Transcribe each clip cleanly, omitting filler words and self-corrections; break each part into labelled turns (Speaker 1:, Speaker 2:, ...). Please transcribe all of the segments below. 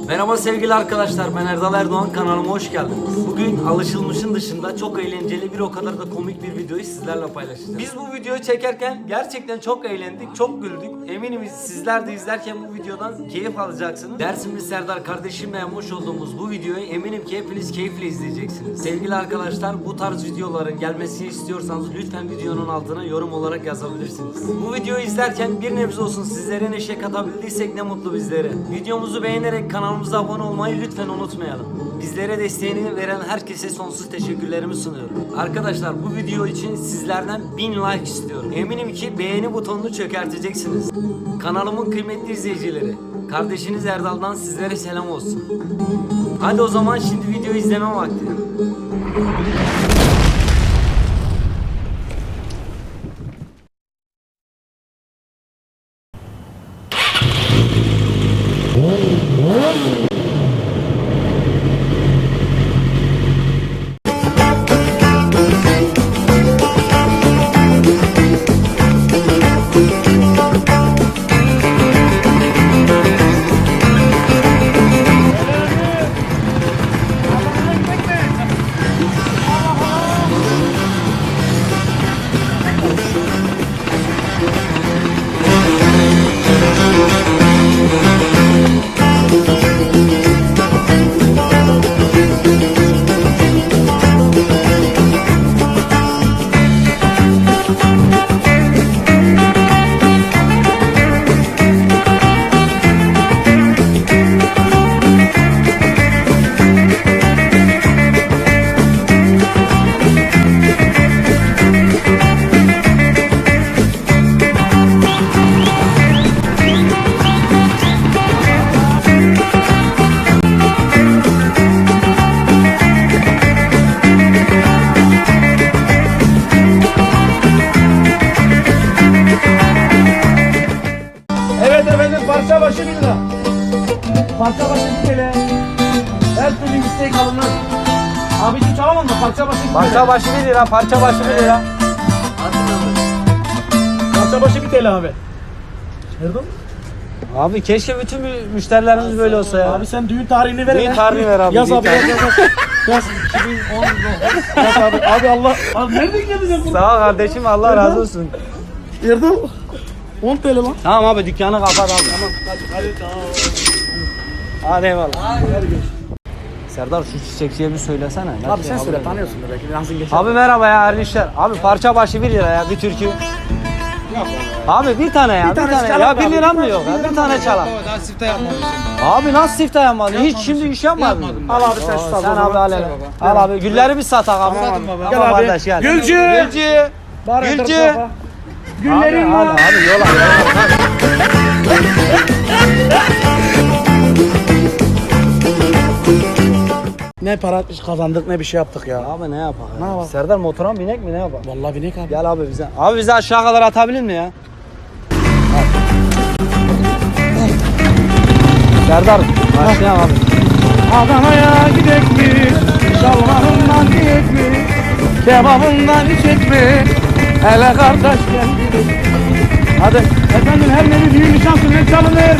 Speaker 1: Merhaba sevgili arkadaşlar, ben Erdal Erdoğan, kanalıma hoş geldiniz. Bugün alışılmışın dışında çok eğlenceli, bir o kadar da komik bir videoyu sizlerle paylaşacağız. Biz bu videoyu çekerken gerçekten çok eğlendik, çok güldük. Eminim sizler de izlerken bu videodan keyif alacaksınız. Dersimli Serdar kardeşimle yapmış olduğumuz bu videoyu eminim ki hepiniz keyifle izleyeceksiniz. Sevgili arkadaşlar, bu tarz videoların gelmesini istiyorsanız lütfen videonun altına yorum olarak yazabilirsiniz. Bu videoyu izlerken bir nebze olsun sizlere neşe katabildiysek ne mutlu bizlere. Videomuzu beğenerek kanalımıza abone olmayı lütfen unutmayalım. Bizlere desteğini veren herkese sonsuz teşekkürlerimi sunuyorum. Arkadaşlar, bu video için sizlerden 1000 like istiyorum. Eminim ki beğeni butonunu çökerteceksiniz. Kanalımın kıymetli izleyicileri, kardeşiniz Erdal'dan sizlere selam olsun. Hadi o zaman şimdi videoyu izleme vakti.
Speaker 2: Parça başı 1 lira. Parça başı 1 TL. Her türlü istek alınır. Abicim çalamam mı? Parça başı 1 TL.
Speaker 3: Parça başı 1 lira, parça başı 1 lira.
Speaker 2: Parça başı 1 TL abi. Nerede?
Speaker 3: Abi keşke bütün müşterilerimiz böyle olsa ya.
Speaker 2: Abi sen düğün tarihini ver.
Speaker 3: Düğün tarihini ver abi.
Speaker 2: Yaz abi yaz. Yaz.
Speaker 3: 2019.
Speaker 2: Yaz abi. Abi Allah. Abi nereden geldin bunu?
Speaker 3: Sağ ol kardeşim, Allah razı olsun.
Speaker 2: Erdal. 10 TL lan.
Speaker 3: Tamam abi, dükkanı kapat abi.
Speaker 2: Tamam hadi tamam.
Speaker 3: Hadi eyvallah. Serdar, şu çiçekçiye bir söylesene.
Speaker 2: Abi sen söyle, tanıyorsun belki nasıl geçer.
Speaker 3: Abi merhaba ya, hayırlı işler. Abi parça başı 1 lira ya, bir türkü. Abi bir tane ya, bir tane. Ya 1 liram mı yok ya, bir tane çalalım.
Speaker 4: Daha sifte yapmadım.
Speaker 3: Abi nasıl siftah yapmadın? Hiç şimdi iş yapmadın.
Speaker 2: Al abi sen şu saz.
Speaker 3: Sen abi al hele. Al abi, gülleri bir satak abi.
Speaker 4: Satın baba.
Speaker 3: Tamam
Speaker 2: Gel abi.
Speaker 3: kardeş, gel.
Speaker 2: Gülcü.
Speaker 3: Gülcü.
Speaker 2: Bari
Speaker 3: Gülcü.
Speaker 2: tarafa. Güllerin var.
Speaker 3: Abi yola.
Speaker 2: Ne para kazandık ne bir şey yaptık ya.
Speaker 3: Abi ne yapalım?
Speaker 2: Ne yapalım?
Speaker 3: Serdar, motora mı binek mi, ne yapalım?
Speaker 2: Vallahi binek abi.
Speaker 3: Gel abi bize. Abi bize aşağı kadar atabilir mi ya? Serdar başlayalım abi.
Speaker 2: Adana'ya gidek mi? Şalvarından gidek mi? Kebabından içek mi? Hele kardeş gel gidelim. Hadi. Efendim her nevi düğün nişan sünnet çalınır.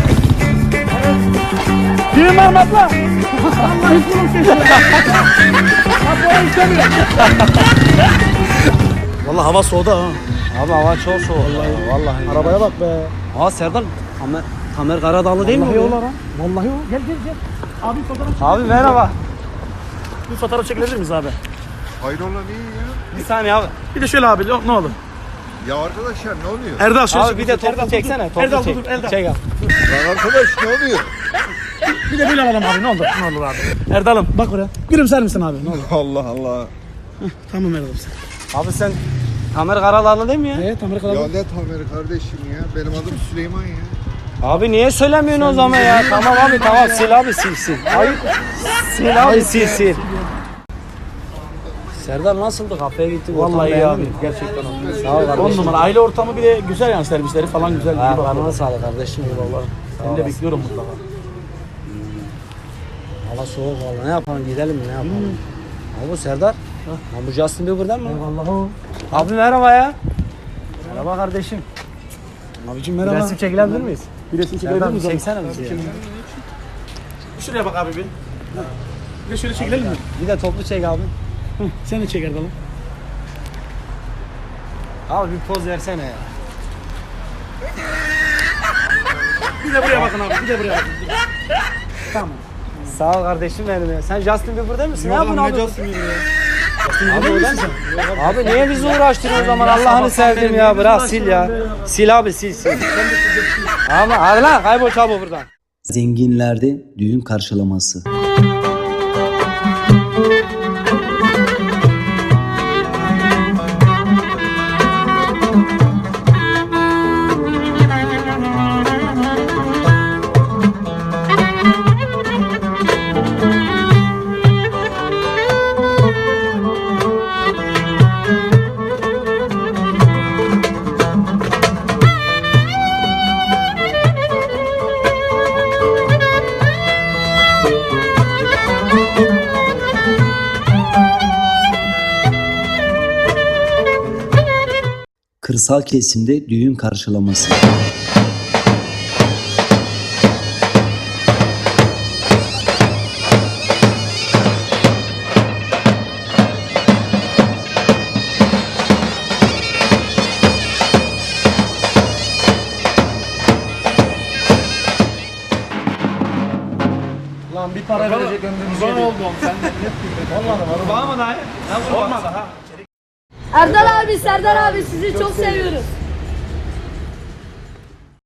Speaker 2: Düğün var mı abla? Allah hiç bunu kesiyor. Abla istemiyor. Vallahi hava soğudu ha.
Speaker 3: Abi hava çok soğuk. Vallahi.
Speaker 2: Arabaya bak be.
Speaker 3: Aa Serdar, Tamer Karadağlı değil mi?
Speaker 2: Vallahi
Speaker 3: bu?
Speaker 2: o lan ha. Vallahi o. Gel gel gel. Abi fotoğraf çek.
Speaker 3: Abi merhaba.
Speaker 2: Bir fotoğraf çekilebilir miyiz abi?
Speaker 5: Hayrola niye ya?
Speaker 3: Bir saniye abi.
Speaker 2: Bir de şöyle abi ne olur.
Speaker 5: Ya arkadaşlar ne oluyor?
Speaker 2: Erdal şöyle
Speaker 3: Abi bir de toplu çeksene. Toplu
Speaker 2: Erdal
Speaker 3: çek.
Speaker 2: dur, Erdal.
Speaker 3: Çek abi.
Speaker 5: Lan arkadaş ne oluyor?
Speaker 2: Bir de böyle alalım abi ne olur. Ne olur abi. Erdal'ım bak oraya. Gülümser misin abi ne olur.
Speaker 5: Allah Allah.
Speaker 2: Tamam Erdal sen.
Speaker 3: Abi sen Tamer Karadağlı değil mi ya?
Speaker 2: Evet Amerika'da.
Speaker 5: Ya ne Tamer kardeşim ya? Benim adım Süleyman ya.
Speaker 3: Abi niye söylemiyorsun o zaman ya? Tamam abi, tamam, sil abi, sil. Hayır. Sil abi, sil. Serdar nasıldı? Kafeye gittik.
Speaker 2: Vallahi iyi
Speaker 3: ortam
Speaker 2: abi.
Speaker 3: beğendin mi?
Speaker 2: Gerçekten o.
Speaker 3: Sağ ol
Speaker 2: 10
Speaker 3: kardeşim.
Speaker 2: numara. Aile ortamı bir de güzel yani servisleri falan güzel. İyi bak.
Speaker 3: Ayaklarına sağlık kardeşim. Eyvallah.
Speaker 2: Ben de bekliyorum mutlaka.
Speaker 3: Hava soğuk valla. Ne yapalım, gidelim mi, ne yapalım? Abi Serdar. Ha, bu Justin Bieber'den mi?
Speaker 2: Eyvallah o.
Speaker 3: Abi merhaba ya. Merhaba kardeşim.
Speaker 2: Abicim merhaba.
Speaker 3: Resim çekilebilir miyiz?
Speaker 2: Bir resim çekilebilir
Speaker 3: Serdar
Speaker 2: miyiz?
Speaker 3: çeksene bizi ya.
Speaker 2: Şuraya bak abi bir. Bir de şöyle çekilelim mi?
Speaker 3: Bir de toplu çek abi.
Speaker 2: Sen de çek Erdal'ım.
Speaker 3: Abi bir poz versene ya.
Speaker 2: Bir de buraya bakın abi. Bir de buraya bakın. Tamam.
Speaker 3: Sağ ol kardeşim benim ya. Sen Justin Bieber'da mısın? Ya bunu abi. Abi,
Speaker 2: Öyle misin sen?
Speaker 3: abi niye bizi uğraştırıyorsun o zaman? Allah'ını sevdim ya. Bırak sil ya. Sil abi sil. Ama hadi lan kaybol çabuk buradan.
Speaker 4: Zenginlerde düğün karşılaması. Kırsal kesimde düğün karşılaması.
Speaker 2: Lan bir para verecek ömrümüz oldu oğlum. Sen de olmadı mı? Olmadı ha.
Speaker 6: Erdal abi, Serdar abi sizi çok seviyoruz.